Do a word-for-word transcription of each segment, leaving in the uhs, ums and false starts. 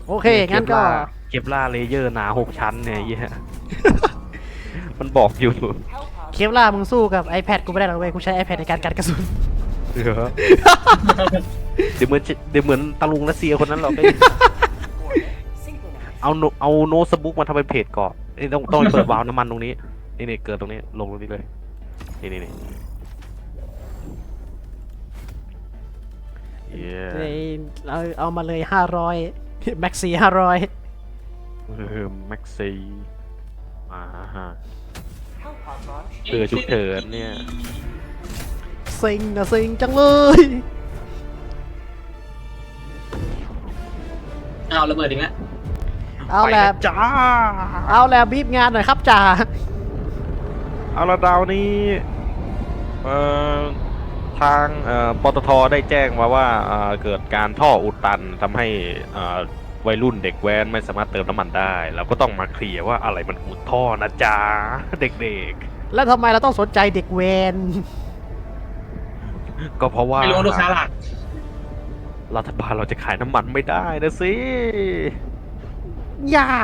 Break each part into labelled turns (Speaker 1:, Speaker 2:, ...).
Speaker 1: โอเคงั้นก็
Speaker 2: เคปล่าเลเยอร์หนาหกชั้นเนี่ยเหี้ยมันบอกอยู่
Speaker 1: เคปล่ามึงสู้กับ iPad กูไม่ได้หรอกเว้ยกูใช้ iPad ในการกันกระสุน
Speaker 2: เดี๋ยวเดี๋ยวเหมือนเดี๋ยวเหมือนตะลุงรัสเซียคนนั้นหรอกเอาโนเอาโน้ตบุ๊กมาทำเป็นเพจก่อนนี่ต้องต้องเปิดวาล์วน้ำมันตรงนี้นี่นี่เกิดตรงนี้ลงตรงนี้เลยนี่นี่นี่เย้
Speaker 1: เฮ้ยเอาเอามาเลยห้าร้อยแม็กซี่ห้าร้อย
Speaker 2: เออแม็กซี่มาฮะเตือฉุกเฉินเนี่ย
Speaker 1: ซิงนะซิงจังเลย
Speaker 3: เอาระเบิดอีกแล้ว
Speaker 1: เอาแหละ
Speaker 2: ไปจ้า
Speaker 1: เอาแหละบีบงานหน่อยครับจ่า
Speaker 2: เอาละดาวนี้เอ่อทางเอ่อปตทได้แจ้งมาว่าเอ่อเกิดการท่ออุดตันทำให้เอ่อวัยรุ่นเด็กแว้นไม่สามารถเติมน้ำมันได้เราก็ต้องมาเคลียร์ว่าอะไรมันอุดท่อนะจ๊ะเด็ก
Speaker 1: แล้วทำไมเราต้องสนใจเด็กเวน
Speaker 2: ๆ ก็เพราะว่า
Speaker 3: ไม่รู้ลูกค้าหลัก
Speaker 2: รัฐบาลเราจะขายน้ำมันไม่ได้นะสิ
Speaker 1: อย่า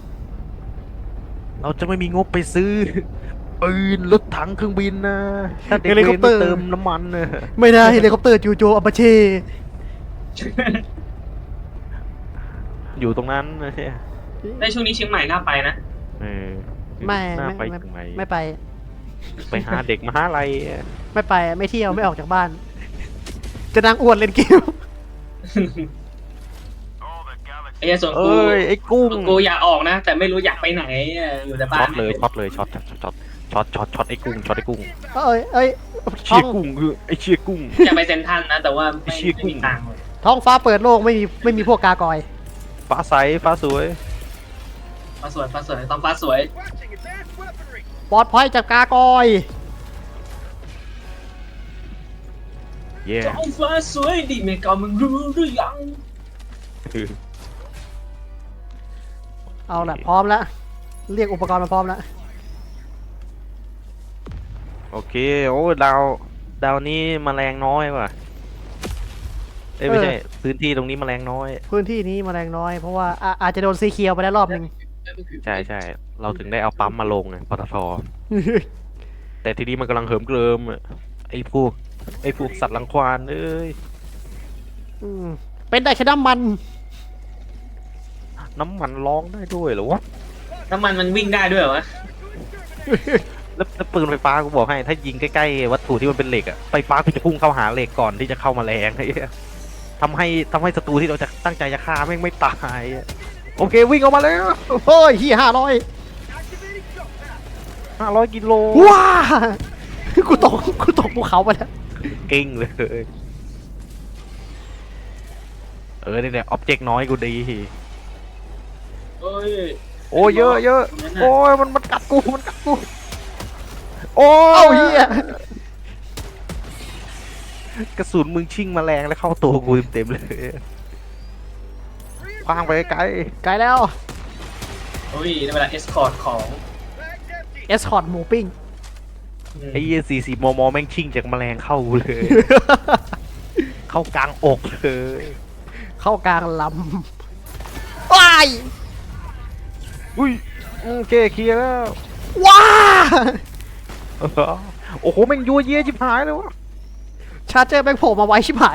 Speaker 2: เราจะไม่มีงบไปซื้อปืนรถถังเครื่องบินนะถ้าเด็กเวนไม่เติมน้ำมันนะ
Speaker 1: ไม่ได้เฮลิคอปเตอร์จูโจอัปเช่
Speaker 2: อยู่ตรงนั้นนะใช่
Speaker 3: ในช่วงนี้เชียงใหม่น่าไปนะ
Speaker 2: เออ
Speaker 1: ไม่
Speaker 2: น่า
Speaker 1: ไม่
Speaker 2: ไป
Speaker 1: ไม่
Speaker 2: ถึงไหน
Speaker 1: ไม่ไป
Speaker 2: ไปหาเด็กมหาลัยอะ
Speaker 1: ไม่ไปไม่เที่ยวไม่ออกจากบ้าน จะนั่งอ้วนเล่นเกม
Speaker 3: ไอ้เหี้ยส่วนกู
Speaker 2: เอ้ยไอ้กุ้ง
Speaker 3: ส่วนกูอยากออกนะ แต่ไม่รู้อยากไปไหนอยู่แต่บ้า
Speaker 2: ช็อน ตเลยช็อตเลยช็อตช็อตช็อตช็อตช็อตช็อตไอ้กุ้งช็อตไอ้กุ้ง
Speaker 1: เอ้ยเอ้ย
Speaker 2: เชี
Speaker 1: ท้อย ง
Speaker 2: กุ้งคือไอ้เชียกุ้ง
Speaker 3: อยากไปเซ็นทรัลนะ แต่ว่าไม่
Speaker 2: ไอ้เชี่ย
Speaker 3: ไม่มีตังค์เลย
Speaker 1: ท้องฟ้าเปิดโล่งไม่มีไม่มีพวกกากอย
Speaker 2: ฟ้าใสฟ้าสวย
Speaker 3: ฟ้าสวยฟ้าสวยต้องฟ้าสวย
Speaker 1: ปลอดภัยจากกากอย
Speaker 2: เย่
Speaker 3: ท้องฟ้าสวยดิเมกามึงรู้หรือยัง
Speaker 1: เอาละพร้อมแล้วเรียกอุปกรณ์มาพร้อมแล้ว
Speaker 2: โอเคโอ้ดาวดาวนี้แมลงน้อยว่ะเอ้ยไม่ใช่พื้นที่ตรงนี้แมลงน้อย
Speaker 1: พื้นที่นี้แมลงน้อยเพราะว่าอ่ะอาจจะโดนซีเคียวไปได้รอบหนึ่ง
Speaker 2: ใช่ใช่เราถึงได้เอาปั๊มมาลงไงปตทแต่ทีนี้มันกำลังเหิมเกริมอะไอ้พวกไอ้พวกสัตว์รังควานเอ้ย
Speaker 1: อืมเป็นได้แค่น้ำมัน
Speaker 2: น้ำมันร้องได้ด้วยเหรอวะ
Speaker 3: น้ำมันมันวิ่งได้ด้วยเหรอวะ
Speaker 2: แล้วแล้วปืนไฟฟ้ากูบอกให้ ถ้ายิงใกล้ๆวัตถุที่มันเป็นเหล็กอะไฟฟ้ากูจะพุ่งเข้าหาเหล็กก่อนที่จะเข้ามาแรงไอ้เหี้ยทำให้ทำให้ศัตรูที่เราจะตั้งใจจะฆ่าแม่งไม่ตายอะโอเควิ่งออกมาแล้ว
Speaker 1: โอ้ยเฮียห้าร้อย
Speaker 2: ห้าร้อยกิโล
Speaker 1: ว้ากูตกกูตกภูเขาไปแล้ว
Speaker 2: เก่งเลยเออเนี่ยอ็อบเจกต์น้อยกูดี
Speaker 3: เอ้ย
Speaker 2: โอ้ยเยอะเยอะโอ้ยมันมันกัดกูมันกัดกูโอ้
Speaker 1: เอ้าเฮีย
Speaker 2: กระสุนมึงชิ่งมาแรงแล้วเข้าตัวกูเต็มๆเลยคว้างไปไกล
Speaker 1: ไกลแล้ว
Speaker 3: โอ้ยได้เวลาเอสคอร์ตของ
Speaker 1: เอสคอร์ดหมูปิ้ง
Speaker 2: ไอ้ยี่สี่สี่มมแม่งชิ่งจากแมลงเข้ากูเลย เข้ากลางอกเลย
Speaker 1: เข้ากลางลำว้าย
Speaker 2: อุ้ยโอเคเคลียร์แล้ว
Speaker 1: ว้า
Speaker 2: โอ้โหแม่งยัวเยี่ยจิบหายเลยวะ
Speaker 1: ชาร์เจอร์แบงโผล่มาไว้ชิบหาย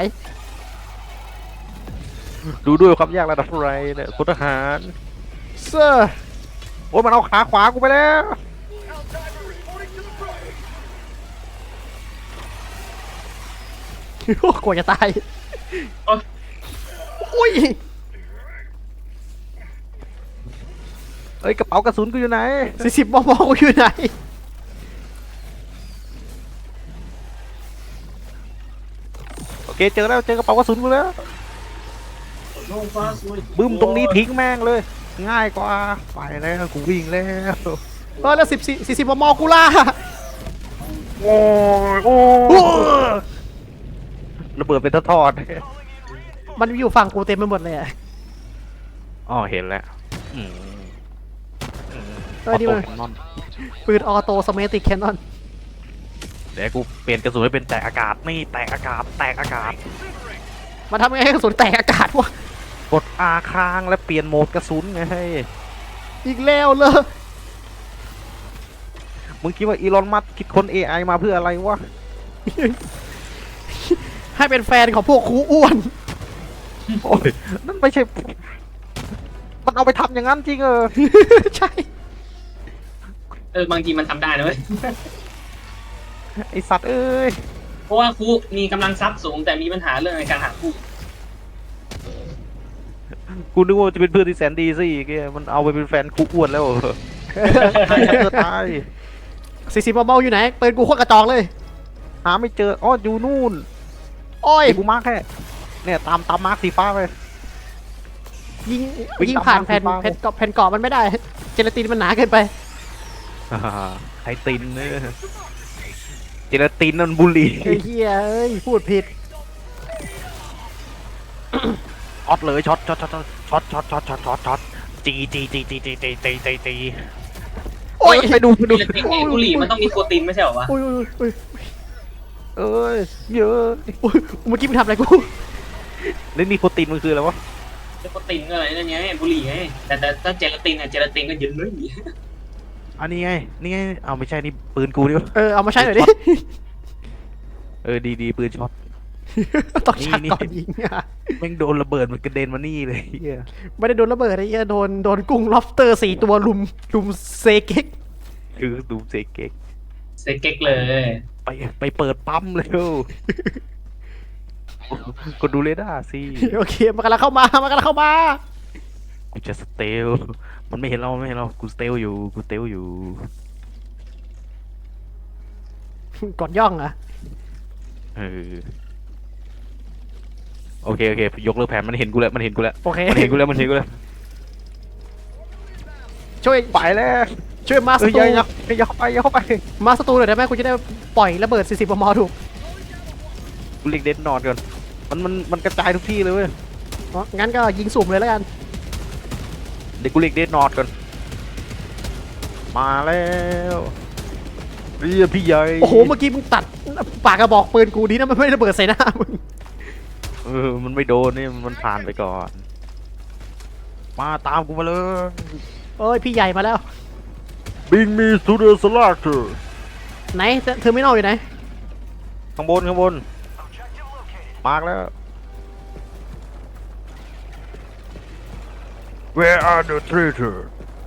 Speaker 2: ดูด้วยความยากระดับไรเนี่ยพลทหาร
Speaker 1: เซอร์
Speaker 2: โอ้ยมันเอาขาขวากูไปแล้ว
Speaker 1: โอ้กลัวจะตาย
Speaker 3: โอ๊ย
Speaker 1: อุ้ย
Speaker 2: เอ้ยกระเป๋ากระสุนกูอยู่ไหน
Speaker 1: สี่สิบมมกูอยู่ไหน
Speaker 2: โอเคเจอแล้วเจอกระเป๋ากระสุนกูแล้ว
Speaker 3: ท้องฟ้าสวย
Speaker 2: บึ้มตรงนี้ทิ้งแม่งเลย ง่ายกว่าไปแล้วกูวิ่งแล้ว
Speaker 1: เออแล้วสิบสี่สี่สิบมมกูล่า
Speaker 2: โอ้ยโอ้ยระเบิดเป็นทอด
Speaker 1: มันอยู่ฝั่งกูเต็มไปหมดเลยอะ
Speaker 2: ๆอ๋อเห็นแล้วอืมอืม
Speaker 1: เออนี่มัน
Speaker 2: ออโต้แคนนอน
Speaker 1: ปืนออโต้สเมติกแคนนอน
Speaker 2: เดี๋ยวกูเปลี่ยนกระสุนให้เป็นแตกอากาศนี่แตกอากาศแตกอากาศ
Speaker 1: มันทำไงให้กระสุนแตกอากาศวะ
Speaker 2: กดอาค้างและเปลี่ยนโหมดกระสุนไงให้
Speaker 1: อีกแล้วเลย
Speaker 2: มึงคิดว่าอีลอนมัสก์คิดค้น เอ ไอ มาเพื่ออะไรวะ
Speaker 1: ให้เป็นแฟนของพวกครูอ้วน
Speaker 2: โอ้ยนั่นไม่ใช่ มันเอาไปทำอย่างนั้นจริงเออ
Speaker 1: ใช่
Speaker 3: เออบางทีมันทำได้นะเว้ย
Speaker 2: ไอสัตว์เอ้ย
Speaker 3: เพราะว่าครูมีกำลังทรัพย์สูงแต่มีปัญหาเรื่องในการหาคู่
Speaker 2: กูนึกว่าจะเป็นเพื่อนที่แสนดีซะอีกเนี่ยมันเอาไปเป็นแฟนคุกอ้วนแล้วเหรอตายเธอตาย
Speaker 1: สี่สิบเบาๆอยู่ไหนปืนกูโคตรกระจอกเลย
Speaker 2: หาไม่เจออ๋ออยู่นู่น
Speaker 1: โอ้ย
Speaker 2: ไอ้กูมาร์คแค่เนี่ยตามตามมาร์คสีฟ้าไป
Speaker 1: ยิง
Speaker 2: วิ่ง
Speaker 1: ยิง
Speaker 2: ตาม
Speaker 1: ผ่าน
Speaker 2: ทาง
Speaker 1: แผ่น
Speaker 2: สีฟ้า
Speaker 1: แผ่นเกาะแผ่นเกาะมันไม่ได้ เจลาตินมันหนาเกินไป
Speaker 2: อ่าไทตินเนี่ยเจลาตินนั่นบุหรี่
Speaker 1: ไอ้เหี้ยเอ้ยพูดผิด
Speaker 2: ช็อตเลยช็อตช็อตช็อตช็อตช็อตช็อตช็อตช็อตช็อตจีจีจีจีจีจีจีจีจี
Speaker 1: โอ้ย
Speaker 2: ไปดูไปดู
Speaker 3: เจลาตินไงบุหรี่มันต้องมีโปรตีนไม่ใช่เหรอวะ
Speaker 1: โอ้ยโอ้ยโอ้ย
Speaker 2: เอ้ยเยอะ
Speaker 1: โอ้ยเมื่อกี้มึงทำอะไรกู
Speaker 2: เล่นนี่โปรตีนมันคืออะไรวะ
Speaker 3: โปรตีนก็อะไรนั่นไงบุหรี่ไงแต่แต่ถ้าเจลาตินอะเจลาตินก็เยอะเลย
Speaker 2: อันนี้ไงนี่ไงเอาไม่ใช่นี่ปืนกูนี่วะ
Speaker 1: เออเอามาใช้หน่อยดิ
Speaker 2: เออดีดีปืนช็อต
Speaker 1: ต้องชัก
Speaker 2: นี่
Speaker 1: ก่อนยิงอ่ะ
Speaker 2: แม่งโดนระเบิดมันกระเด็นมานี่เลยเหี้ย
Speaker 1: ไม่ได้โดนระเบิดไอ้เหี้ยโดนโดนกุ้งล็อบสเตอร์สี่ตัวลุมลุมเซเก็ก
Speaker 2: คือดูเซเก็ก
Speaker 3: เซเก็กเลย
Speaker 2: ไปไปเปิดปั๊มเร็วกดดูเรดาร์สิ
Speaker 1: โอเคมันกำลังเข้ามามันกำลังเข้ามา
Speaker 2: กูจะสเตลมันไม่เห็นเราไม่เห็นเรากูสเตลอยู่กูสเตลอยู่
Speaker 1: กดย่องอ่ะ
Speaker 2: เออโอเคโอเคยกเลิกแผนมันเห็นกูแล้วมันเห็นกูแล้ว
Speaker 1: โอเค
Speaker 2: มันเห็นกูแล้วมันเห็นกูแล้ว
Speaker 1: ช่วย
Speaker 2: ไปแล้ว
Speaker 1: ช่วยมาส
Speaker 2: เออ
Speaker 1: ตู
Speaker 2: อย่าอย่าอย่าเข้าไปอย่าเข้าไป
Speaker 1: มาสตูหน่อยได้ไหมกูจะได้ปล่อยระเบิดสี่สิบมมถูก
Speaker 2: กูเรียกเดนนอนก่อนมันมันมันกระจายทุกที่เลยเว้ย
Speaker 1: อ๋องั้นก็ยิงสุ่มเลยแล้วกัน
Speaker 2: เดี๋ยวกูเรียกเดนนอนก่อนมาแล้วเรียกพี่ใหญ่
Speaker 1: โอ้โหเมื่อกี้มึงตัดปากกระบอกปืนกูดีนะมันไม่ระเบิดใส่หน้ามึง
Speaker 2: เออมันไม่โดนนี่มันผ่านไปก่อน มาตามกูมาเลย
Speaker 1: เอ้ยพี่ใหญ่มาแล้ว
Speaker 2: Bring me to the slaughter
Speaker 1: ไหนเธอไม่นอกอยู่ไหน
Speaker 2: ข้างบนข้างบนมาร์กแล้ว Where are the traitor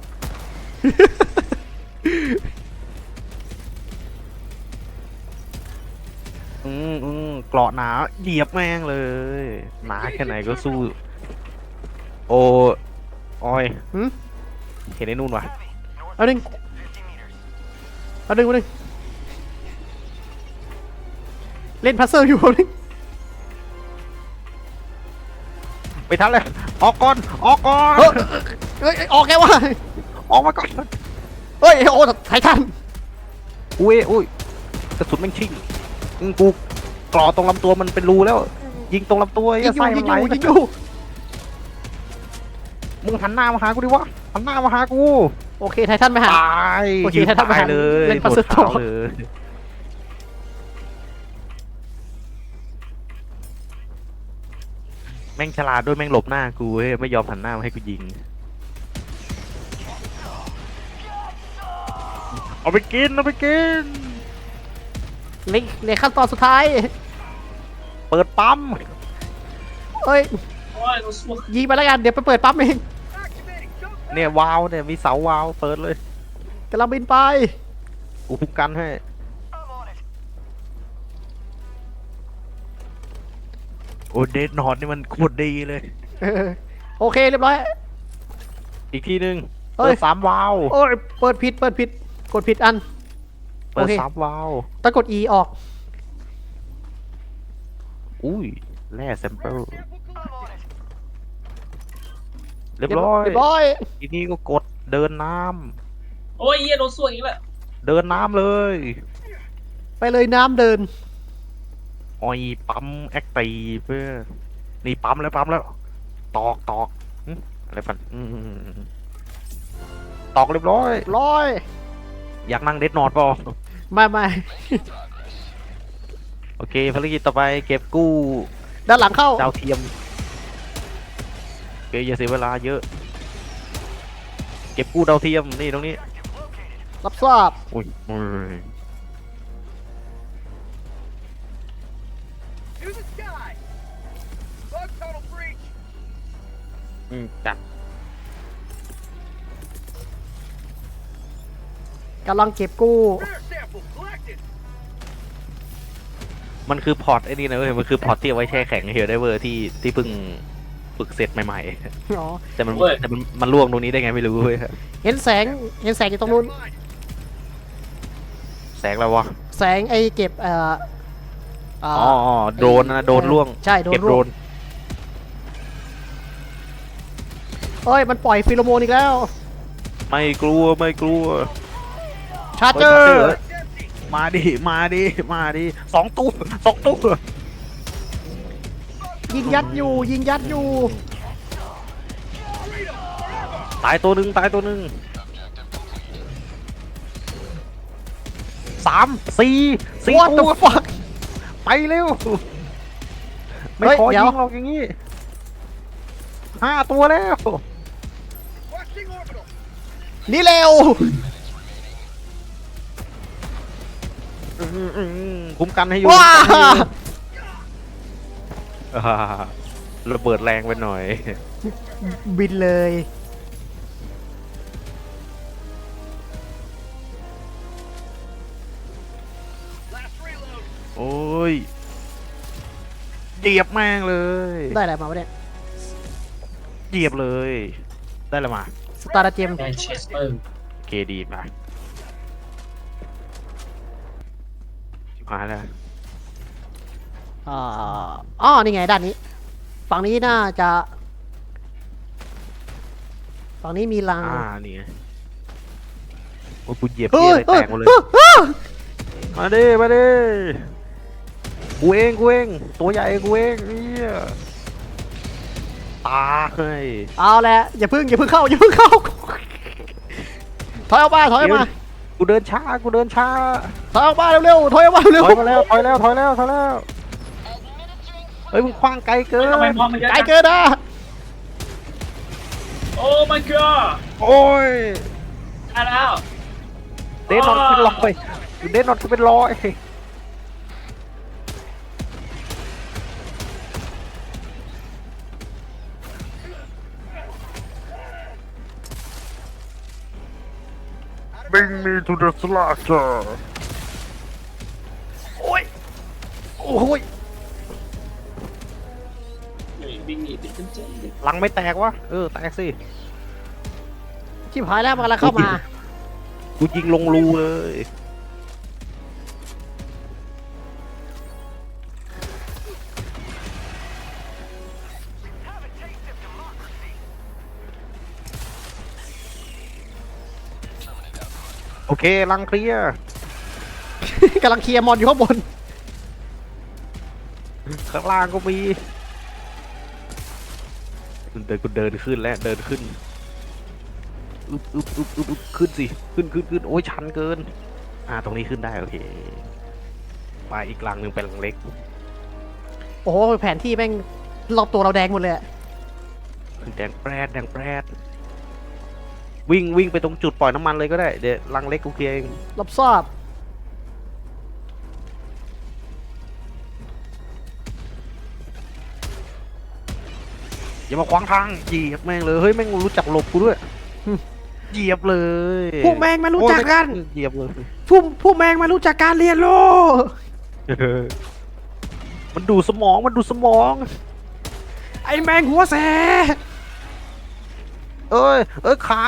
Speaker 2: อืมอืมเกราะหนาเหยียบแม่งเลย หนาแค่ไหนก็สู้ โอ้ออย
Speaker 1: หืม
Speaker 2: เห็นไอ้นู่นวะ
Speaker 1: เอาหนึ่งเอาหนึ่งเอาหนึ่งเล่นพัซเซิลอยู่เอาหนึ่ง
Speaker 2: ไปทันเลยออกก่อนออกก่อน
Speaker 1: เฮ้ยเฮ้ยออกแกวะ
Speaker 2: ออกมาก่อน
Speaker 1: เฮ้ยโอ้ไททัน
Speaker 2: อุ้ยอุ้ยกระสุนแม่งชิ่งอืมกูกรอตรงลำตัวมันเป็นรูแล้ว ยิงตรงลำตัว
Speaker 1: ยิ
Speaker 2: ไอ้
Speaker 1: งอยู่
Speaker 2: ไส้
Speaker 1: ยิ
Speaker 2: มัน
Speaker 1: ง
Speaker 2: ไห
Speaker 1: อ
Speaker 2: ล
Speaker 1: ยู่ยิงอยู่
Speaker 2: มึงหันหน้ามาหากูดิวะหันหน้ามาหากู
Speaker 1: โอเคไททันไปหา
Speaker 2: ตาย
Speaker 1: โอเค
Speaker 2: ยิง
Speaker 1: ถ้าทำอา
Speaker 2: ตา
Speaker 1: หาย ร
Speaker 2: เลย
Speaker 1: เล่น
Speaker 2: หม
Speaker 1: ปัส
Speaker 2: ด
Speaker 1: สาวะ
Speaker 2: ขาวเลยแม่งฉลาดด้วยแม่งหลบหน้ากูเว้ยไม่ยอมหันหน้ามาให้กูยิงเอาไปกินเอาไปกิน
Speaker 1: เล็กเล็กขั้นตอนสุดท้าย
Speaker 2: เปิดปั๊ม
Speaker 1: เอ้ย
Speaker 3: โอ้ยกูสู้
Speaker 1: ยิงไปแล้วกันเดี๋ยวไปเปิดปั๊มเอง
Speaker 2: เนี่ยวาล์วเนี่ยมีเสาวาล์วเปิดเลย
Speaker 1: กำลังบินไป
Speaker 2: กูคุ้มกันให้โอ้เดดนอนนี่มันโคตรดีเลย
Speaker 1: เออโอเคเรียบร้อย
Speaker 2: อีกทีหนึ่ง
Speaker 1: เอ้
Speaker 2: เปิ
Speaker 1: ย
Speaker 2: ดสามวาล์ว
Speaker 1: โอ้ยเปิดผิดเปิดผิดกดผิดอัน
Speaker 2: เปิด
Speaker 1: โอเค
Speaker 2: สามวาล์ว
Speaker 1: ต้องกด E ออก
Speaker 2: อุ้ยแร่แซมเปิลเรียบร้อย
Speaker 1: เรียบร้อย
Speaker 2: ทีนี้ก็กดเดินน้
Speaker 3: โอ้ยเหี้ยโดนสู้อีกแล้ว
Speaker 2: ำเดินน้ำเลย
Speaker 1: ไปเลยน้ำเดิน
Speaker 2: ออยปั๊มแอคตีเพื่อนี่ปั๊มแล้วปั๊มแล้ว ตอกตอกหึอะไรฟันอืมตอกเรียบร้อย
Speaker 1: ร้อย
Speaker 2: อยากนั่งเดดนอนป่ะ
Speaker 1: ไม่ไม่
Speaker 2: โอเคภารกิจต่อไปเก็บกู้
Speaker 1: ด้านหลังเข้า
Speaker 2: ดาวเทียมเกยอย่าเสียเวลาเยอะ เก็บกู้ดาวเทียมนี่ตรงนี้
Speaker 1: รับทราบ
Speaker 2: อุ้ยอุ้ย
Speaker 4: To the sky! Bug tunnel breach!
Speaker 2: อืมจัด
Speaker 1: กำลังเก็บกู้
Speaker 4: Rare sample collected!
Speaker 2: มันคือพอร์ตไอ้นี่นะเว้ยมันคือพอร์ตที่เอาไว้แช่แข็งเฮลไดเวอร์ที่ที่เพิ่งฝึกเสร็จใหม่
Speaker 1: อ๋อ
Speaker 2: ๆ แต่มันแต่มันมันล่วงตรงนี้ได้ไงไม่รู้เว้ย
Speaker 1: เห็นแสงเห็นแสงอยู่ตรงนู้น
Speaker 4: Line.
Speaker 2: แสงอะไรวะ
Speaker 1: แสงไอ้เก็บเอ่อเ
Speaker 2: อ๋ออ๋อโดรนนะโดรนล่วง
Speaker 1: ใช่โดน
Speaker 2: เก็บ
Speaker 1: ร่
Speaker 2: โดร
Speaker 1: วง
Speaker 2: น
Speaker 1: เอ้ยมันปล่อยฟิโลโมนอีกแล้ว
Speaker 2: ไม่กลัวไม่กลัว
Speaker 1: ชาร์เจอร์
Speaker 2: มาดิมาดิมาดิสองตู้สองตู้
Speaker 1: ยิงยัดอยู่ยิงยัดอยู่
Speaker 2: ตายตัวหนึ่งตายตัวหนึ่งสามสี่สี่
Speaker 1: What
Speaker 2: ตัว
Speaker 1: the fuck
Speaker 2: ไปเร็ว ไม่
Speaker 1: เฮ้ย
Speaker 2: ขอ
Speaker 1: เดี๋
Speaker 2: ยิ
Speaker 1: ยว
Speaker 2: งหรอกอย่างงี้ห้าตัวแล้ว
Speaker 4: Watching orbital!
Speaker 1: นี่เร็ว
Speaker 2: อืมอืมอืมคุ้มกันให้อยู่
Speaker 1: ว้า
Speaker 2: อ่าระเบิดแรงไปหน่อย
Speaker 1: บินเลย
Speaker 4: Last reload!
Speaker 2: โอ้ยเหยียบแม่งเลย
Speaker 1: ได้อะไรมาวะเนี่ย
Speaker 2: เหยียบเลย ได้และมา
Speaker 1: สตาร์เจม
Speaker 3: แมนเชสเตอร์
Speaker 2: เคดีมาชิบหายแล้ว
Speaker 1: อ่าอ๋อนี่ไงด้านนี้ ฝั่งนี้น่าจะ ฝั่งนี้มีรัง
Speaker 2: อ่านี่ไงโอ้ยกูเหยียบ
Speaker 1: เฮ้
Speaker 2: เหี้ย
Speaker 1: ย
Speaker 2: อะไรแตกหมดเลย
Speaker 1: เฮ้ยเฮ้ย
Speaker 2: มาดิมาดิกูเองกูเองตัวใหญ่กูเองเนี่ยตาเฮ้ย
Speaker 1: เอาแหละอย่าพึ่งอย่าพึ่งเข้าอย่าพึ่งเข้า ถอยออกมาถอยออกมา
Speaker 2: กูเดินช้ากูเดินช้า
Speaker 1: ถอยออกมาเร็วๆถอยออกมาเร็ว
Speaker 2: ถอยมาแล้วถอยแล้วถอยแล้วถอยแล้วเฮ้ยมึงคว้างไกลเกิน
Speaker 3: ทำไมพอมันเยอะ
Speaker 1: ไกล
Speaker 3: จัง
Speaker 1: เกินนะ
Speaker 3: โอ้ my god
Speaker 2: โอ้ย
Speaker 3: ได้แล้ว
Speaker 2: เดนนอนเป็นร้อยเดนนอนคือเป็นร้อยบิงมีทูเดอะสลาเจอร์
Speaker 1: โอ้ยโอ้ย
Speaker 3: บิงหนีเป็นกันเจ๊
Speaker 2: หลังไม่แตกวะเออแตกสิ
Speaker 1: ชิบหายแล้วมันกำลังเข้ามา
Speaker 2: กูยิงลงรูเลย โอเคลังเคลียร์
Speaker 1: กำลังเคลียร์มอนอยู่ข้างบน
Speaker 2: ข้างล่างก็มีเดินกูเดินขึ้นแล้วเดินขึ้นอึบอึบอึบอึบอึบขึ้นสิขึ้นขึ้นขึ้นโอ้ยชันเกิน อ่าตรงนี้ขึ้นได้โอเคไปอีกลังหนึ่งเป็นลังเล็ก
Speaker 1: โอ้โหแผนที่แม่งรอบตัวเราแดงหมดเลยอะ
Speaker 2: แดงแปรดแดงแปรดวิ่งวิ่งไปตรงจุดปล่อยน้ำมันเลยก็ได้เดี๋ยวลังเล็กกูเคลียร์เอง
Speaker 1: รับทราบ
Speaker 2: อย่ามาขวางทางเหยียบแม่งเลยเฮ้ยแม่งรู้จักหลบกูด้วยเหยียบเลย
Speaker 1: พวกแมงมารู้จักกัน
Speaker 2: โอ้ยเหยียบเลย
Speaker 1: พวกพวกแมงมารู้จักการเรียนรู้
Speaker 2: มันดูสมองมันดูสมอง
Speaker 1: ไอ้แมงหัวแส
Speaker 2: เอ้ยเอ้ยขา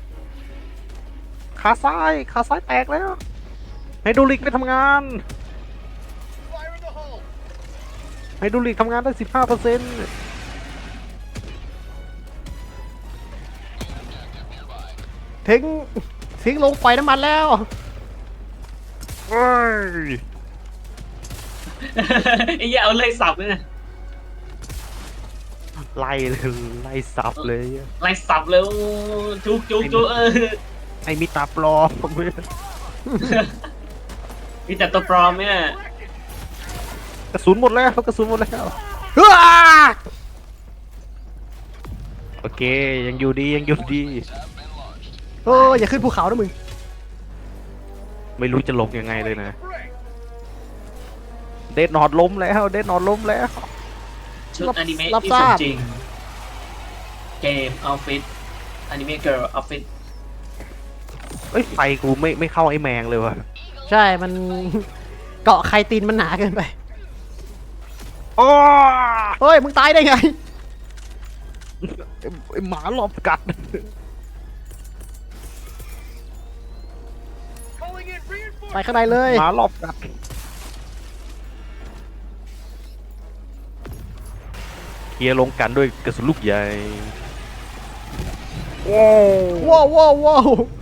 Speaker 2: ขาซ้ายขาซ้ายแตกแล้วไฮดรอลิกไม่ทำงาน
Speaker 4: Fire in the hole!
Speaker 2: ไฮดรอลิกทำงานได้สิบห้าเปอร์เซ็นต์
Speaker 1: ถึงถึงลงปล่อยน้ำมันแล้ว
Speaker 2: เฮ้ย
Speaker 3: ไอ้เหี้ยเอาเลยสับเลยนะ
Speaker 2: ไล่เลยไล่สับเลย
Speaker 3: ไล่สับเลยโอ้จุกจุกจุกเออ
Speaker 2: ไอ้มีตาปลอม
Speaker 3: มีแต่ตัวปลอมเนี่ย
Speaker 2: กระสุนหมดแล้วกระสุนหมดแล้ว
Speaker 1: เฮ้ย
Speaker 2: ตโอเคยังอยู่ดียังอยู่ดี
Speaker 1: เอออย่าขึ้นภูเขานะมึง
Speaker 2: ไม่รู้จะลงยังไงเลยนะ
Speaker 4: Break.
Speaker 2: เดดนอดล้มแล้วเดดนอดล้มแล้ว
Speaker 3: ชุดอนิเมะ
Speaker 1: รับ
Speaker 3: ที่
Speaker 1: ท
Speaker 3: ส
Speaker 1: ราม บ
Speaker 3: จริง เกมออฟฟิศอนิเมะเกิร์ลออฟฟิศ
Speaker 2: เอ้ยไฟกูไม่ไม่เข้าไอ้แมงเลยว่ะ
Speaker 1: ใช่มัน เกาะไคตีนมันหนาเกินไป
Speaker 2: โอ้
Speaker 1: เฮ้ยมึงตายได้ไง
Speaker 2: ไอ้หมาหลบกัด
Speaker 4: Calling in
Speaker 1: ไป
Speaker 4: reinforcements.
Speaker 1: ข้างในเลย
Speaker 2: หมาหลบกัดเคลียร์ลงกันด้วยกระสุนลูกใหญ่โอ้
Speaker 1: ว้าวว้าวว้าว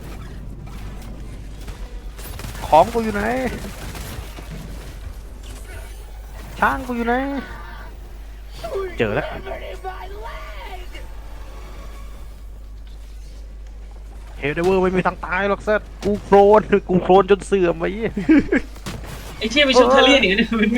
Speaker 2: ของกูอยู่ไหนช้างกูอยู่ไหนเจอแล้วเฮลเดเวอร์ไม่มีทางตายหรอกเซตกูโครนกูโครนจนเสื่อมไป
Speaker 3: ไอ้เชี่ยไปชุดเทอเรียนอีกนะมึง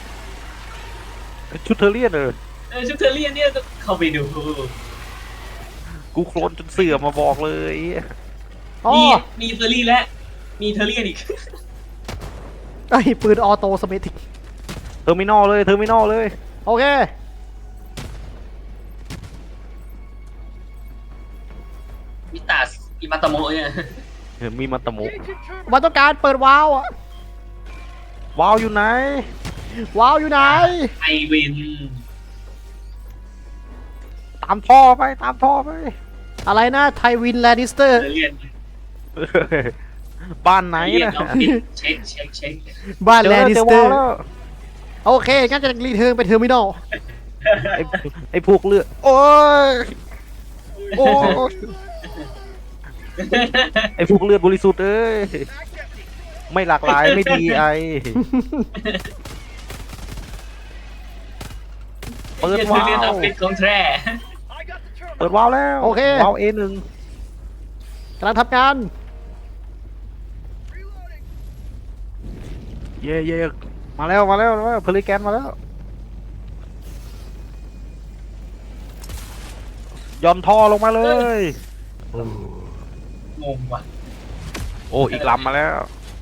Speaker 2: ชุดเทอร์เรียนเออ
Speaker 3: เออชุดเทอเรียนเนี่ยต้องเข้าไปดู
Speaker 2: กูโคลนจนเสื่อมมาบอกเลย
Speaker 1: อ๋อ
Speaker 3: มีมีเทอรี่และมีเทอเรียนอีก
Speaker 1: ไอ้ปืนออโตสเมติก
Speaker 2: เทอร์มินอลเลยเทอร์มินอลเลย
Speaker 1: โอเค
Speaker 3: มิตาสอิมาตาโมะเนี่ย
Speaker 2: เออมีมาตะโม
Speaker 4: Engaging turbine.
Speaker 1: มันต้องการเปิดวาล์วอะ
Speaker 2: ว้าวอยู่ไหน
Speaker 1: วาล์วอยู่ไหน
Speaker 3: ไอวิน
Speaker 2: ตามท่อไปตามท่อไป
Speaker 1: อะไรนะไทวินแลนนิสเตอ
Speaker 3: เท
Speaker 1: ร์
Speaker 3: อเรียน
Speaker 2: บ้านไหน
Speaker 3: เรียน
Speaker 2: นะ
Speaker 3: เอาปิดเช็คเช็คเช็ค
Speaker 1: บ้าน
Speaker 2: เจอ
Speaker 1: แลน
Speaker 2: แล้ว
Speaker 1: นิ
Speaker 2: เจ
Speaker 1: ส
Speaker 2: อ
Speaker 1: เตอ
Speaker 2: ว้าว
Speaker 1: ร์
Speaker 2: แล้ว
Speaker 1: โอเคงั้นจะรีเทิร์นไปเทอร์มินอล
Speaker 2: ไอ้ไอ้พวกเลือดโอ้ยโอ้ยไอ้พวกเลือดบริสุทธิ์เอ้ย
Speaker 4: Act empty.
Speaker 2: ไม่หลากหลายไม่ดีไอเปิด
Speaker 3: เทอ
Speaker 2: ว้า
Speaker 3: เรียนออ
Speaker 2: ว
Speaker 3: ฟฟิศของแท้
Speaker 4: I got the terminal.
Speaker 2: เปิดว้าวแล้ว
Speaker 1: โอเค
Speaker 2: ว้าวเอหนึ่ง
Speaker 1: กำลังทำงาน
Speaker 4: Reloading.
Speaker 2: เย่เย่มาแล้วมาแล้วมาแล้วเพลิแกนมาแล้วย่อนท่อลงมาเลย
Speaker 3: งงว่ะ
Speaker 2: โอ้อีกลำมาแล้ว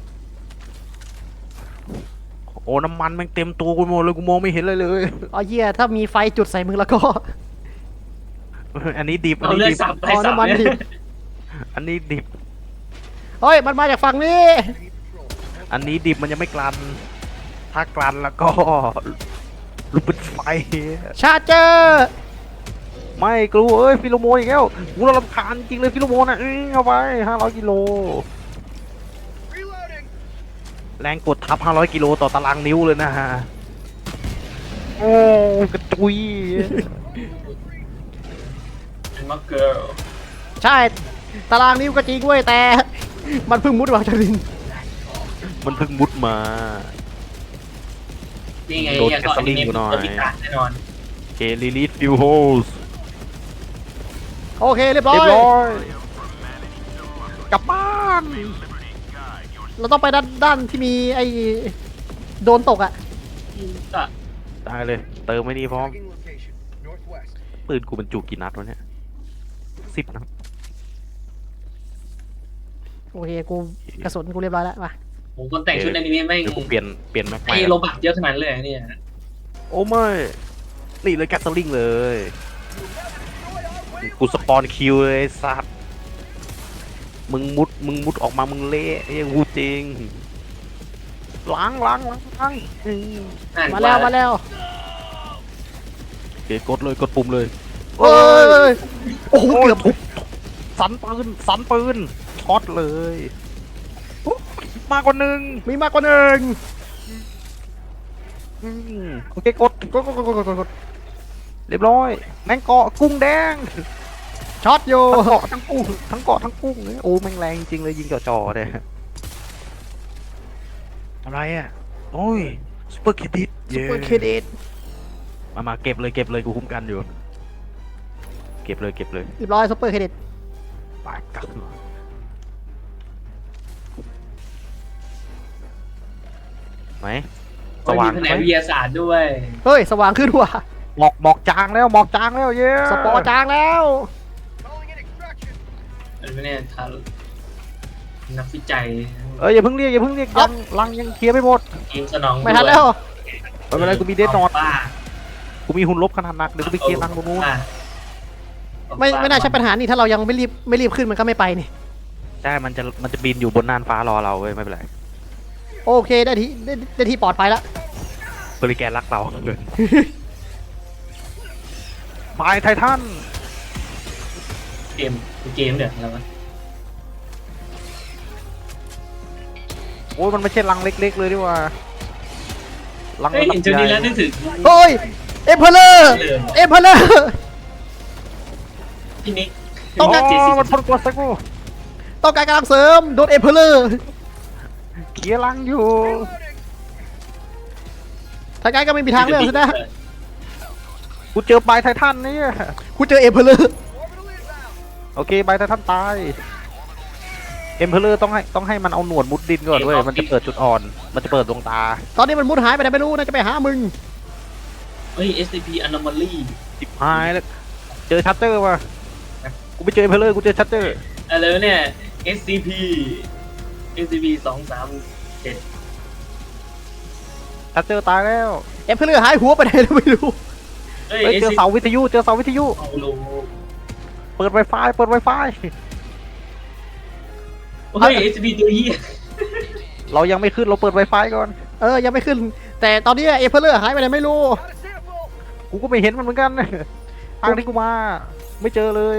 Speaker 2: โอ้น้ำมันแม่งเต็มตัวกูหมดเลยกูมองไม่เห็นเลยเลย
Speaker 1: อ๋อเหี้ยถ้ามีไฟจุดใส่มึงแล้วก็
Speaker 2: อันนี้ดิบอัน
Speaker 3: เอา
Speaker 2: นี้
Speaker 3: เลือด
Speaker 2: ดิบ
Speaker 3: สับไป
Speaker 1: อ๋อ
Speaker 3: สับ
Speaker 1: น้ำมัน
Speaker 3: เนี่
Speaker 1: ดิ
Speaker 3: ย
Speaker 1: บ
Speaker 2: อันนี้ดิบ
Speaker 1: เฮ้ยมันมาจากฝั่งนี้
Speaker 2: อันนี้ดิบมันยังไม่กลัน ถ้ากลันแล้วก็ลุกเป็นไฟ
Speaker 1: ชาร์เจอร์
Speaker 2: ไม่กลัวเอ้ยฟิโลโมนอีกแล้วกูรำคาญจริงเลยฟิโลโมนอ่ะอื้อเอาไปห้าร้อยกิโล
Speaker 4: Reloading.
Speaker 2: แรงกดทับห้าร้อยกิโลต่อตารางนิ้วเลยนะฮะ โอ้กระจุย
Speaker 3: มักเกิร์ล
Speaker 1: ใช่ตารางนิ้วก็จริงเว้ยแต่ มันเพิ่งมุดมาจากดิน
Speaker 2: มันเพิ่งมุดมา
Speaker 3: นี่ไง
Speaker 2: โดน
Speaker 3: อย่างก่อน
Speaker 2: แคสเซิลลิ่
Speaker 3: นี้
Speaker 2: งอยู่หน่อย
Speaker 3: ตัวพิการแน่นอน
Speaker 2: เคลิลิสฟิวโฮส
Speaker 1: โอเคเรียบร้อ
Speaker 2: เรีย
Speaker 1: ย
Speaker 2: บร้อย กลับบ้าน
Speaker 1: เราต้องไปด้านด้านที่มีไอ้โดนตกอ่ะ
Speaker 3: ก็
Speaker 2: ได้เลย เติมไม่ดีพร้อม
Speaker 4: Tagging location. Northwest.
Speaker 2: ปืนกูบรรจุกี่นัดวะเนี่ยสิบนัด
Speaker 1: โอเคกูกระสุนกูเรียบร้อยแล้วมา
Speaker 3: ผมคนแต่งชุดอนิเมะแม่ง
Speaker 2: เดี๋ยวกูเปลี่ยนเปลี่ยนแม็กใหม่
Speaker 3: ไอ้โลบักเยอะขนาดนั้นเลยเนี่ย
Speaker 2: โอ้ไม่นี่เลยแกสลิงเลย กูสปอนคิวเลยไอ้สัตว์มึงมุดมึงมุดออกมามึงเละไอ้ยังกูจริงล้างล้างล้างล้างอืม
Speaker 3: อ่าน
Speaker 1: มาแล้วมาแล้ว
Speaker 2: โอเคกดเลยกดปุ่มเลย
Speaker 1: เอ้ยโอ้โห
Speaker 2: โอ้ย
Speaker 1: เกือบ
Speaker 2: ทุบสันปืนสันปืนช็อตเลยโอ้ยมากกว่าหนึ่ง
Speaker 1: มีมากกว่าหนึ่ง
Speaker 2: อืมโอเคกด
Speaker 1: กดกดกดกดกดกด
Speaker 2: เรียบร้อยแมงเกาะกุ้งแดง
Speaker 1: ช็อตอยู่
Speaker 2: ทั้งเกาะทั้งกุ้งทั้งเกาะทั้งกุ้งเลยโอ้แม่งแรงจริงเลยยิงจ่อๆเนี่ยอะไรอ่ะโอ้ยซุปเปอร์เครดิต
Speaker 1: ซุปเปอร์เครดิต
Speaker 2: มามาเก็บเลยเก็บเลยกูคุ้มกันอยู่ เก็บเลยเก็บเลย
Speaker 1: เรียบร้อยซุปเปอร์เครดิต
Speaker 2: ไปกลับไหมส
Speaker 3: สว่า
Speaker 2: ว่าง ง
Speaker 3: แผ
Speaker 2: ไห
Speaker 3: น
Speaker 2: ม
Speaker 3: กวิทยาศาสตร์ด้วย
Speaker 1: เฮ้ยสว่างขึ้นว่ะ
Speaker 2: หมอกหมอกจางแล้วหมอกจางแล้วเย้
Speaker 1: สปอร์จางแล้ว
Speaker 4: Calling in extraction.
Speaker 3: มันไม่แน่ทานักวิจัย
Speaker 2: เอ้ยอย่าเพิ่งเรียกอย่าเพิ่งเรียกยังลังยังเคลียร์ไม่หมด
Speaker 3: เกมสนอง
Speaker 1: ไม่ทันแล้ว
Speaker 2: ไม่เป็นไรกูมีเดนนอน
Speaker 3: บ้า
Speaker 2: กูมีหุ่นลบขนาดหนักเดี๋ยวกูไปเคลียร์ลังตรงนู้น
Speaker 1: ไม่ไม่น่าใช่ปัญหานี่ถ้าเรายังไม่รีบไม่รีบขึ้นมันก็ไม่ไปนี่
Speaker 2: ใช่มันจะมันจะบินอยู่บนน่านฟ้ารอเราเว้ยไม่เป็นไร
Speaker 1: โอเคได้ที่ได้ได้ที่ปลอดภัยแล้ว
Speaker 2: บริแกนรักเราเลยบายไททัน
Speaker 3: เกมเกมเนี่ยอะไรวะ
Speaker 2: โอ้ยมันไม่ใช่ลังเล็ก ๆ เลยดีกว่าลัง
Speaker 3: เฮ้ย
Speaker 2: ระดั
Speaker 3: เห็น
Speaker 2: บ
Speaker 3: จุดนี้
Speaker 2: ใหญ่
Speaker 3: แล้วนึกถึง
Speaker 1: โอ้ยเอ็มเพลเลอร์เอ็มเพลเลอร์
Speaker 3: พี่นิก
Speaker 1: ต้องการ
Speaker 2: โอ้มันพ่นกดสักกู
Speaker 1: ต้องการกำลังเสริมโดนเอ็มเพลเลอร์
Speaker 2: เคลียร์ลังอยู่
Speaker 1: ทางการก็ไม่มีทางเลือกซะนะ
Speaker 2: กูเจอบายไททันนี่
Speaker 1: กูเจอเอ็มเพลเลอร์
Speaker 4: Orbital inbound.
Speaker 2: โอเคบายไททันตายเอ็มเพลเลอร์ต้องให้ต้องให้มันเอาหนวดมุดดินก่อนเว้ยมันจะเปิดจุดอ่อน มันจะเปิดดวงตา
Speaker 1: ตอนนี้มันมุดหายไปไหนไม่รู้นะจะไปหามึง
Speaker 3: เฮ้ย เอส ซี พี Anomaly
Speaker 2: จิบหายแล้วเจอชัตเตอร์ว่ะกูไปเจอเอ็มเพลเลอร์กูเจอชัตเตอร์
Speaker 3: อะไรวะเนี่ย เอส ซี พี เอส ซี พี สองสามเจ็ด
Speaker 2: ชัตเตอร์ตายแล้ว
Speaker 1: เอ็มเพลเลอร์หายหัวไปไหนแล้วไม่รู้
Speaker 3: เฮ้ย
Speaker 2: เฮ้ยเจอ
Speaker 3: SCP
Speaker 2: เสาวิทยุเจอเสาวิทยุ
Speaker 3: เอาโล
Speaker 2: เปิดไวไฟเปิดไวไฟ
Speaker 3: เฮ้ย เอส ซี พี ตัวเหี้ย
Speaker 2: เรายังไม่ขึ้นเราเปิดไวไฟก่อน
Speaker 1: เออยังไม่ขึ้น แต่ตอนนี้เอ็มเพลเลอร์หายไปไหนไม่รู้
Speaker 4: Got a sample.
Speaker 2: กูก็ไม่เห็นมันเหมือนกันทางที่กูมา ไม่เจอเลย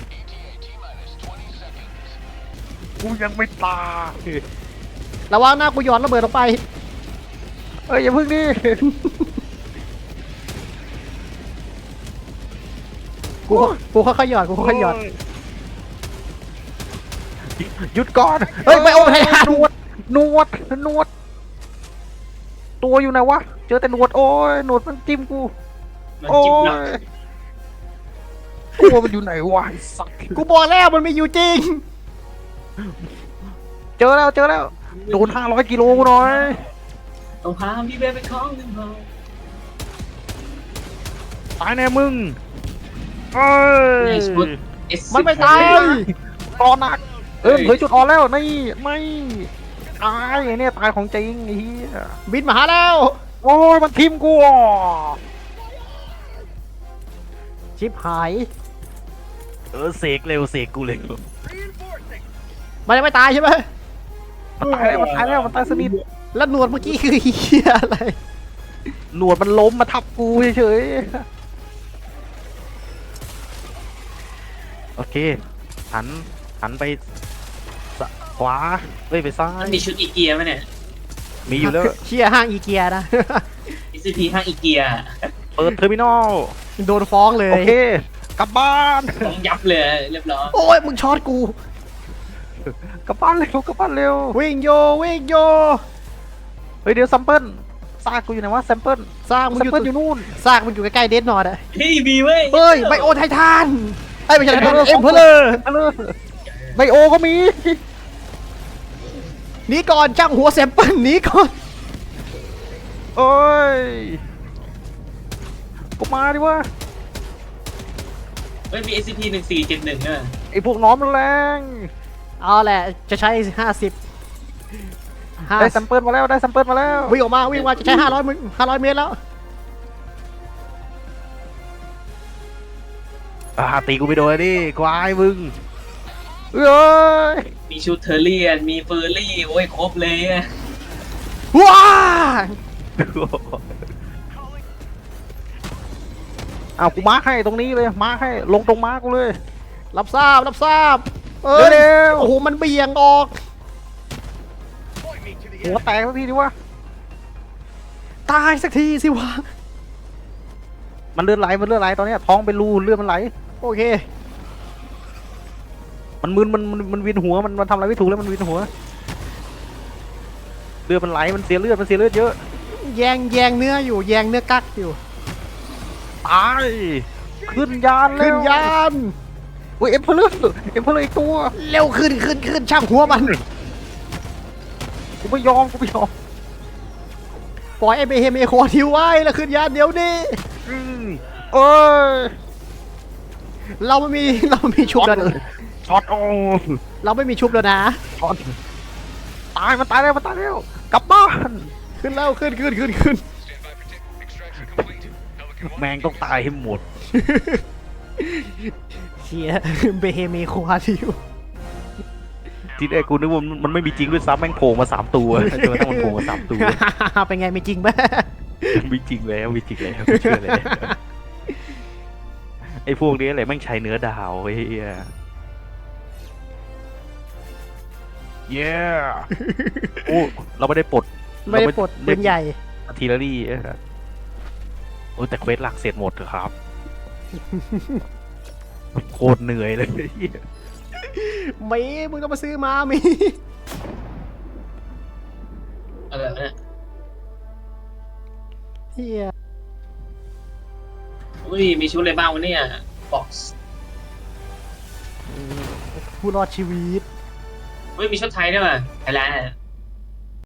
Speaker 2: กูยังไม่ตาย
Speaker 1: ระวังหน้ากูหย่อนระเบิดลงไป
Speaker 2: เอ้ยอย่าพึ่งดิ
Speaker 1: กูกูค่อยๆหย่อนกูค่อยๆหย่อน
Speaker 2: หยุดก่อน
Speaker 1: เฮ้ยไม่โอ้ไททัน
Speaker 2: หนวดหนวดหนวด ตัวอยู่ไหนวะ เจอแต่หนวดโอ้ยหนวดมันจิ้มกู
Speaker 3: มัน
Speaker 2: โอ้
Speaker 3: จิ๊บหนัก
Speaker 2: ยตัวมันอยู่ไหนวะไอ้สัตว์
Speaker 1: กูบอกแล้วมันไม่อยู่จริง
Speaker 2: เจอแล้วเจอแล้ว โดนห้าร้อยกิโลกูหน่อย
Speaker 3: ต้องพาพี่เบลไปคล้องหนึ่งพอ
Speaker 2: ตายแน่มึงเอ้ย
Speaker 3: ในชุด S
Speaker 1: มันไม่ตาย
Speaker 2: ตอนหนัก เออเผยจุดอ่อนแล้วนี่ไม่ตายไอ้เนี่ยตายของจริงไอ้เหี้ย
Speaker 1: บินมาหาแล้ว
Speaker 2: โอ้ยมันทิมกูอ่ะ
Speaker 1: ชิบหาย
Speaker 2: เออเสกเร็วเสกกูเร็ว
Speaker 4: Reinforcing.
Speaker 1: มันยังไม่ตายใช่ไหม
Speaker 2: มันตายแล้วมันตายแล้วมันตายสนิท
Speaker 1: แล้วหนวดเมื่อกี้คือเหี้ยอะไร
Speaker 2: หนวดมันล้มมาทับกูเฉยๆโอเคหันหันไปสะขวาเฮ้ยไปซ้า
Speaker 3: มั
Speaker 2: ย
Speaker 3: นมีชุดอีเกียไหมเนี่ย
Speaker 2: มีอยู่แล้ว
Speaker 1: เชี่ยห้างอีเกียนะ
Speaker 3: เอส ซี พี ห้างอีเกีย
Speaker 2: เปิดเทอร์มินอล
Speaker 1: โดนฟ้องเล
Speaker 2: โอย เคกลับบ้าน
Speaker 3: ต้องยับเลยเรียบร้อย
Speaker 1: โอ้ยมึงช็อตกู
Speaker 2: กลับบ้านเร็วกลับบ้านเร็ว
Speaker 1: วิ่งโยวิ่งโย
Speaker 2: เฮ้ยเดี๋ยวซัมเปิลซากกูอยู่ไหนวะแซมเปิล
Speaker 1: สร้างมึง
Speaker 2: แซม
Speaker 1: อยู่
Speaker 2: เปิลอยู่นู่น
Speaker 1: สร้างมึงอยู่ใกล้ๆเดดนอร์ดอะ
Speaker 3: เฮ้ยมีเว้ย
Speaker 1: เฮ้ยไบโอไททันไอ้ยไม่ใช่ไททันเอ็มเพลเลอร์
Speaker 2: มาเลยไบโอก็มี
Speaker 1: หนีก่อนจ้างหัวแซมเปิลหนีก่อน
Speaker 2: โอ้ยก็มาดิวะ
Speaker 3: เฮ้ยมี เอส ซี พี หนึ่งสี่เจ็ดหนึ่งอ่ะ
Speaker 2: ไอพวกน้องมันแรง
Speaker 1: เอาแหละจะใช้ห้าสิบห้า
Speaker 2: ได้แซมเปิลมาแล้วได้แซมเปิลมาแล้ว
Speaker 1: วิ่งออกมาวิ่งมาจะใช้ห้าร้อยมึงห้าร้อยเมตรแล้ว
Speaker 2: อ่าตีกูไปโดนดิควายมึงเอ้ย
Speaker 3: มีชุดเทอร์เรียนมีเฟอร์รี่โอ้ยครบเลยอะ
Speaker 1: ว้า
Speaker 2: เอากูมาร์คให้ตรงนี้เลยมาร์คให้ลงตรงมาร์คกูเลย
Speaker 1: รับทราบรับทราบเอ้ย
Speaker 2: เร็ว
Speaker 1: โอ้โหมันเบี่ยงออก
Speaker 4: Point me to the
Speaker 2: หัว
Speaker 4: enemy.
Speaker 2: แตกสักทีดิวะ
Speaker 1: ตายสักทีสิวะ
Speaker 2: มันเลือดไหลมันเลือดไหลตอนเนี้ยท้องเป็นรูเลือดมันไหล
Speaker 1: โอเค
Speaker 2: มันมึนมันมันมันวินหัวมันมันทำอะไรไม่ถูกแล้วมันวินหัวเลือดมันไหลมันเสียเลือดมันเสียเลือดเยอะ
Speaker 1: แยงแยงเนื้ออยู่แยงเนื้อกักอยู่
Speaker 2: ตายขึ้นยานแล้ว
Speaker 1: ขึ้นยาน
Speaker 2: โอ้ยเอ็มเพลเลอร์เอ็มเพลเลอร์อีกตัว
Speaker 1: เร็วขึ้นขึ้นขึ้นช่างหัวมัน
Speaker 2: กูไม่ยอมกูไม่ยอม
Speaker 1: ปล่อยไอ้เบเฮเมโคทิวไว้แล้วขึ้นยานเดี๋ยวนี้
Speaker 2: อืมโอ้ย
Speaker 1: เราไม่มี เราไม่มีชุบแล้วนะ
Speaker 2: ช็อตโอ้
Speaker 1: เราไม่มีชุบแล้วนะ
Speaker 2: ช็อตตายมันตายแล้วมันตายแล้วกลับบ้าน
Speaker 1: ขึ้นแล้วขึ้นขึ้นขึ้นขึ้น
Speaker 2: แมงต้องตายให้หมด
Speaker 1: เฮียเบเฮเมควาทิว
Speaker 2: ทีแรกกูนึกว่ามันไม่มีจริงด้วยซ้ำแม่งโผล่มาสามตัวจนกระทั่งมันโผล่มาสามตัว
Speaker 1: เป็นไงไม่จริงไหม
Speaker 2: มีจริงแล้วมีจริงแล้วไม่เชื่อเลยไอ้พวกนี้อะไรแม่งใช้เนื้อดาวเฮียเย้โอ้เราไม่ได้ปลด
Speaker 1: ไม่ได้ปลดปืนใหญ่
Speaker 2: อาร์ทิลเลอรี่เออโอ้แต่เควสหลักเสร็จหมดเถอะครับ โคตรเหนื่อยเลยเหี้ย
Speaker 1: มีมึงต้องมาซื้อมามี
Speaker 3: อะไรวะเนี่ย
Speaker 1: เฮีย
Speaker 3: อุ้ยมีชุดอะไรบ้างวะเนี่ยบ็อกซ์
Speaker 1: ผู้รอดชีวิต
Speaker 3: อุ้ยมีชุดไทยด้วยว่ะไทยแลนด์